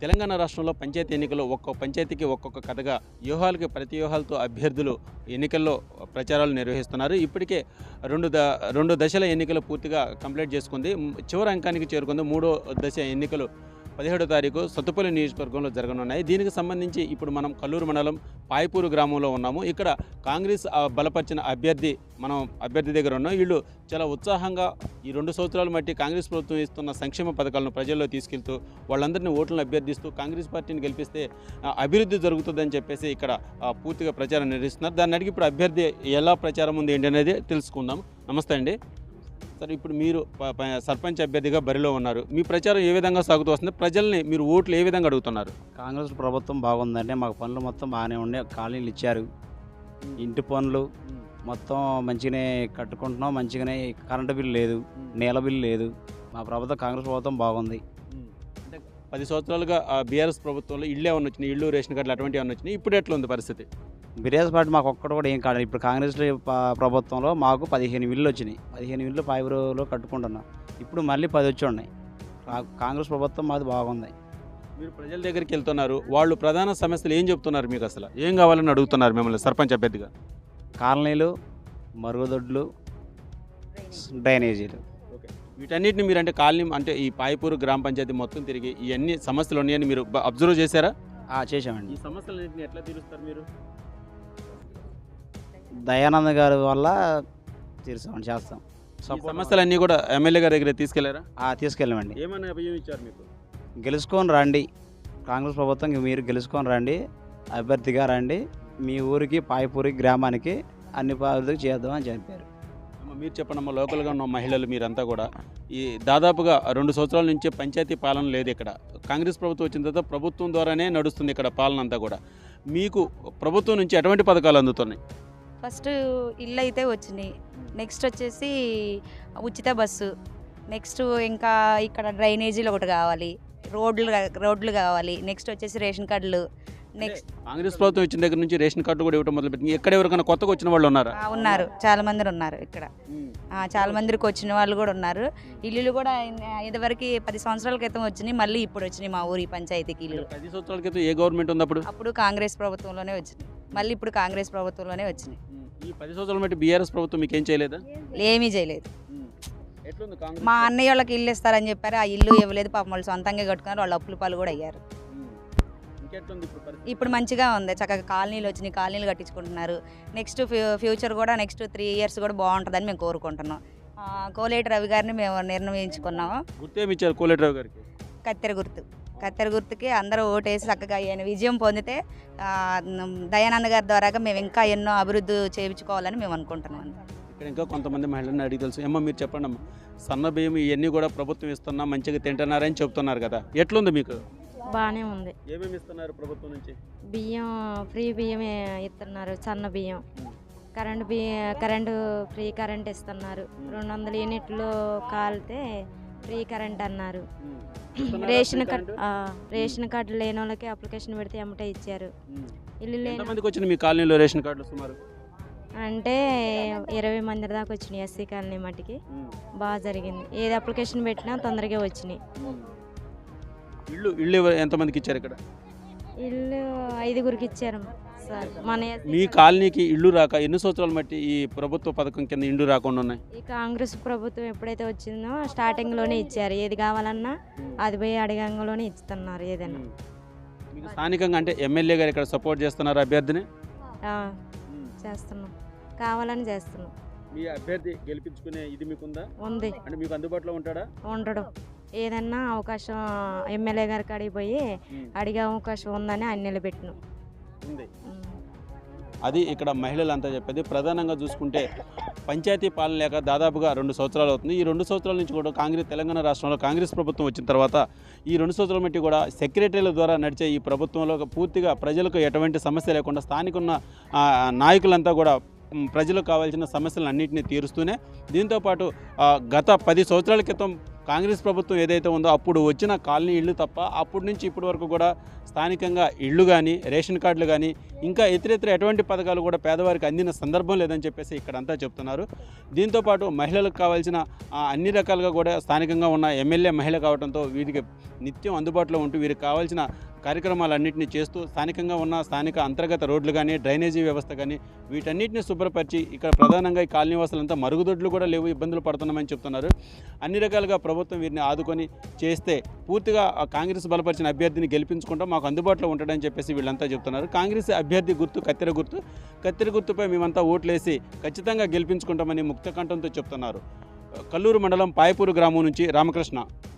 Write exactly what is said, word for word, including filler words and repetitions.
తెలంగాణ రాష్ట్రంలో పంచాయతీ ఎన్నికలు ఒక్కొక్క పంచాయతీకి ఒక్కొక్క కథగా వ్యూహాలకి ప్రతి వ్యూహాలతో అభ్యర్థులు ఎన్నికల్లో ప్రచారాలు నిర్వహిస్తున్నారు. ఇప్పటికే రెండు ద రెండు దశల ఎన్నికలు పూర్తిగా కంప్లీట్ చేసుకుంది. చివరి అంకానికి చేరుకుంది. మూడో దశ ఎన్నికలు పదిహేడో తారీఖు సత్తుపల్లి నియోజకవర్గంలో జరగనున్నాయి. దీనికి సంబంధించి ఇప్పుడు మనం కల్లూరు మండలం పాయపూరు గ్రామంలో ఉన్నాము. ఇక్కడ కాంగ్రెస్ బలపరిచిన అభ్యర్థి మనం అభ్యర్థి దగ్గర ఉన్నాం. వీళ్ళు చాలా ఉత్సాహంగా ఈ రెండు సంవత్సరాల మట్టి కాంగ్రెస్ ప్రభుత్వం ఇస్తున్న సంక్షేమ పథకాలను ప్రజల్లో తీసుకెళ్తూ వాళ్ళందరినీ ఓట్లను అభ్యర్థిస్తూ కాంగ్రెస్ పార్టీని గెలిపిస్తే అభివృద్ధి జరుగుతుందని చెప్పేసి ఇక్కడ పూర్తిగా ప్రచారం నిర్వహిస్తున్నారు. దాన్ని అడిగి ఇప్పుడు అభ్యర్థి ఎలా ప్రచారం ఉంది ఏంటి అనేది తెలుసుకుందాం. నమస్తే అండి సార్. ఇప్పుడు మీరు సర్పంచ్ అభ్యర్థిగా బరిలో ఉన్నారు. మీ ప్రచారం ఏ విధంగా సాగుతూ వస్తుంది? ప్రజల్ని మీరు ఓట్లు ఏ విధంగా అడుగుతున్నారు? కాంగ్రెస్ ప్రభుత్వం బాగుందంటే మాకు పనులు మొత్తం బాగానే ఉండే, కాలనీలు ఇచ్చారు, ఇంటి పనులు మొత్తం మంచిగానే కట్టుకుంటున్నాం, మంచిగానే కరెంటు బిల్లు లేదు, నీళ్ళ బిల్లు లేదు. మా ప్రభుత్వం కాంగ్రెస్ ప్రభుత్వం బాగుంది. అంటే పది సంవత్సరాలుగా బీఆర్ఎస్ ప్రభుత్వంలో ఇళ్ళు ఏమన్నా వచ్చినాయి, ఇళ్ళు రేషన్ కార్డులు అటువంటివి ఏమన్నా వచ్చినాయి. ఇప్పుడు ఎట్లా ఉంది పరిస్థితి? బీఆర్ఎస్ పార్టీ మాకు ఒక్కటి కూడా ఏం కాదు. ఇప్పుడు కాంగ్రెస్ ప్రభుత్వంలో మాకు పదిహేను ఇళ్ళు వచ్చినాయి. పదిహేను ఇళ్ళు పాయబురులో కట్టుకుంటున్నాం. ఇప్పుడు మళ్ళీ పది వచ్చి ఉన్నాయి. కాంగ్రెస్ ప్రభుత్వం మాది బాగుంది. మీరు ప్రజల దగ్గరికి వెళ్తున్నారు, వాళ్ళు ప్రధాన సమస్యలు ఏం చెప్తున్నారు? మీకు అసలు ఏం కావాలని అడుగుతున్నారు మిమ్మల్ని సర్పంచ్ అభ్యర్థిగా? కాలనీలు, మరుగుదొడ్లు, డ్రైనేజీలు. ఓకే, వీటన్నిటిని మీరు అంటే కాలనీ అంటే ఈ పాయపూరు గ్రామ పంచాయతీ మొత్తం తిరిగి ఇవన్నీ సమస్యలు ఉన్నాయని మీరు అబ్జర్వ్ చేశారా? చేసామండి. ఈ సమస్యలన్నింటినీ ఎట్లా తీరుస్తారు మీరు? దయానంద్ గారి వల్ల తీర్చామని చేస్తాం. సమస్యలన్నీ కూడా ఎమ్మెల్యే గారి దగ్గర తీసుకెళ్లారా? తీసుకెళ్ళామండి. ఏమన్నా అభయం ఇచ్చారు మీకు? గెలుచుకొని రండి, కాంగ్రెస్ ప్రభుత్వం మీరు గెలుచుకొని రండి, అభ్యర్థిగా రండి, మీ ఊరికి పాయపూరి గ్రామానికి అన్ని పనులు చేద్దాం అని చెప్పారు. మీరు చెప్పండి అమ్మ, లోకల్గా ఉన్న మహిళలు మీరంతా కూడా ఈ దాదాపుగా రెండు సంవత్సరాల నుంచే పంచాయతీ పాలన లేదు ఇక్కడ. కాంగ్రెస్ ప్రభుత్వం వచ్చిన తర్వాత ప్రభుత్వం ద్వారానే నడుస్తుంది ఇక్కడ పాలన అంతా కూడా. మీకు ప్రభుత్వం నుంచి ఎటువంటి పథకాలు అందుతున్నాయి? ఫస్ట్ ఇల్లు అయితే వచ్చినాయి, నెక్స్ట్ వచ్చేసి ఉచిత బస్సు, నెక్స్ట్ ఇంకా ఇక్కడ డ్రైనేజీలు ఒకటి కావాలి, రోడ్లు రోడ్లు కావాలి, నెక్స్ట్ వచ్చేసి రేషన్ కార్డులు. నెక్స్ట్ కాంగ్రెస్ ప్రభుత్వం వచ్చిన దగ్గర నుంచి రేషన్ కార్డు కూడా ఇవ్వడం మొదలుపెట్టింది. ఎక్కడ ఎవరికైనా కొత్తగా వచ్చిన వాళ్ళు ఉన్నారా? ఉన్నారు, చాలా మంది ఉన్నారు ఇక్కడ. చాలా మందికి వచ్చిన వాళ్ళు కూడా ఉన్నారు. ఇల్లులు కూడా ఇదివరకు పది సంవత్సరాల క్రితం వచ్చినాయి, మళ్ళీ ఇప్పుడు వచ్చినాయి మా ఊరి పంచాయతీకి ఇల్లు. పది సంవత్సరాల క్రితం ఏ గవర్నమెంట్ ఉంది అప్పుడు? అప్పుడు కాంగ్రెస్ ప్రభుత్వంలోనే వచ్చినాయి, మళ్ళీ ఇప్పుడు కాంగ్రెస్ ప్రభుత్వంలోనే వచ్చినాయి. ఈ పది సంవత్సరాల బట్టి బీఆర్ఎస్ ప్రభుత్వం మీకు ఏం చేయలేదా? ఏమీ చేయలేదు. మా అన్నయ్య వాళ్ళకి ఇల్లు ఇస్తారని చెప్పారు, ఆ ఇల్లు ఇవ్వలేదు. పాపం వాళ్ళు సొంతంగా కట్టుకున్నారు, వాళ్ళు అప్పుల పాలు కూడా అయ్యారు. ఇప్పుడు మంచిగా ఉంది, చక్కగా కాలనీలు వచ్చినాయి, కాలనీలు కట్టించుకుంటున్నారు. నెక్స్ట్ ఫ్యూచర్ కూడా నెక్స్ట్ త్రీ ఇయర్స్ కూడా బాగుంటుందని మేము కోరుకుంటున్నాం. కోలేటి రవి గారిని మేము నిర్ణయించుకున్నాము. గుర్తేమిచ్చారు కోలేటి రవి గారికి? కత్తెర గుర్తు. కత్తెర గుర్తుకి అందరూ ఓటేసి చక్కగా ఆయన విజయం పొందితే దయానంద గారి ద్వారాగా మేము ఇంకా ఎన్నో అభివృద్ధి చేయించుకోవాలని మేము అనుకుంటున్నాం. ఇక్కడ ఇంకా కొంతమంది మహిళలను అడిగి తెలుసు. ఏమో మీరు చెప్పండి అమ్మ, సన్న బియ్యం ఇవన్నీ కూడా ప్రభుత్వం ఇస్తున్నా మంచిగా తింటున్నారని చెప్తున్నారు కదా, ఎట్లుంది మీకు? బాగానే ఉంది. ఏమేమి ఇస్తున్నారు ప్రభుత్వం నుంచి? బియ్యం ఫ్రీ బియ్యం ఇస్తున్నారు, సన్న బియ్యం, కరెంటు బియ్యం, కరెంటు ఫ్రీ కరెంట్ ఇస్తున్నారు. రెండు వందల యూనిట్లు కాలితే ఫ్రీ కరెంట్ అన్నారు. రేషన్ కార్డు రేషన్ కార్డు లేని వాళ్ళకి అప్లికేషన్ పెడితే ఎమ్మటే ఇచ్చారు. ఇల్లు లేని వచ్చింది మీ కాలనీలో రేషన్ కార్డులు సుమారు అంటే ఇరవై మంది దాకా వచ్చినాయి. ఎస్సీ కాలనీ మట్టికి బాగా జరిగింది. ఏది అప్లికేషన్ పెట్టినా తొందరగా వచ్చినాయి. ఇల్లు ఇల్లు ఎంతమందికి ఇచ్చారు ఇక్కడ? ఇల్లు ఐదుగురికి ఇచ్చారు సార్. మన మీ కాలనీకి ఇల్లు రాక ఎన్ని సంవత్సరాలు బట్టి ఈ ప్రభుత్వ పథకం కింద ఇల్లు రాకుండా ఉన్నాయి? ఈ కాంగ్రెస్ ప్రభుత్వం ఎప్పుడైతే వచ్చిందో స్టార్టింగ్లోనే ఇచ్చారు. ఏది కావాలన్నా అది పోయి అడగంలోనే ఇస్తున్నారు. ఏదైనా మీకు స్థానికంగా అంటే ఎమ్మెల్యే గారు ఇక్కడ సపోర్ట్ చేస్తున్నారు అభ్యర్థిని? చేస్తున్నాం, కావాలని చేస్తున్నాం. మీ అభ్యర్థి గెలిపించుకునే ఇది మీకుందా? ఉంది. అంటే మీకు అందుబాటులో ఉంటాడా? ఉండడం. ఏదన్నా అవకాశం ఎమ్మెల్యే గారికి అడిగిపోయి అడిగే అవకాశం ఉందని ఆయన నిలబెట్టినాం. అది ఇక్కడ మహిళలంతా చెప్పేది. ప్రధానంగా చూసుకుంటే పంచాయతీ పాలన లేక దాదాపుగా రెండు సంవత్సరాలు అవుతుంది. ఈ రెండు సంవత్సరాల నుంచి కూడా కాంగ్రెస్ తెలంగాణ రాష్ట్రంలో కాంగ్రెస్ ప్రభుత్వం వచ్చిన తర్వాత ఈ రెండు సంవత్సరాల మట్టి కూడా సెక్రటరీల ద్వారా నడిచే ఈ ప్రభుత్వంలో పూర్తిగా ప్రజలకు ఎటువంటి సమస్య లేకుండా స్థానిక ఉన్న నాయకులంతా కూడా ప్రజలకు కావాల్సిన సమస్యలను అన్నింటినీ తీరుస్తూనే దీంతోపాటు గత పది సంవత్సరాల క్రితం కాంగ్రెస్ ప్రభుత్వం ఏదైతే ఉందో అప్పుడు వచ్చిన కాలనీ ఇళ్ళు తప్ప అప్పటి నుంచి ఇప్పటి వరకు కూడా స్థానికంగా ఇళ్ళు కానీ రేషన్ కార్డులు కానీ ఇంకా ఇతరితర ఎటువంటి పథకాలు కూడా పేదవారికి అందిన సందర్భం లేదని చెప్పేసి ఇక్కడంతా చెప్తున్నారు. దీంతోపాటు మహిళలకు కావాల్సిన ఆ, అన్ని రకాలుగా కూడా స్థానికంగా ఉన్న ఎమ్మెల్యే మహిళ కావడంతో వీరికి నిత్యం అందుబాటులో ఉంటూ వీరికి కావాల్సిన కార్యక్రమాలన్నింటినీ చేస్తూ స్థానికంగా ఉన్న స్థానిక అంతర్గత రోడ్లు కానీ డ్రైనేజీ వ్యవస్థ కానీ వీటన్నిటిని శుభ్రపరిచి ఇక్కడ ప్రధానంగా ఈ కాలనీ వాసులంతా మరుగుదొడ్లు కూడా లేవు, ఇబ్బందులు పడుతున్నామని చెప్తున్నారు. అన్ని రకాలుగా ప్రభుత్వం వీరిని ఆదుకొని చేస్తే పూర్తిగా ఆ కాంగ్రెస్ బలపరిచిన అభ్యర్థిని గెలిపించుకుంటాం, మాకు అందుబాటులో ఉంటాడని చెప్పేసి వీళ్ళంతా చెప్తున్నారు. కాంగ్రెస్ అభ్యర్థి గుర్తు కత్తెర గుర్తు కత్తెర గుర్తుపై మేమంతా ఓట్లేసి ఖచ్చితంగా గెలిపించుకుంటామని ముక్త కంఠంతో చెప్తున్నారు. కల్లూరు మండలం పాయపూరు గ్రామం నుంచి రామకృష్ణ.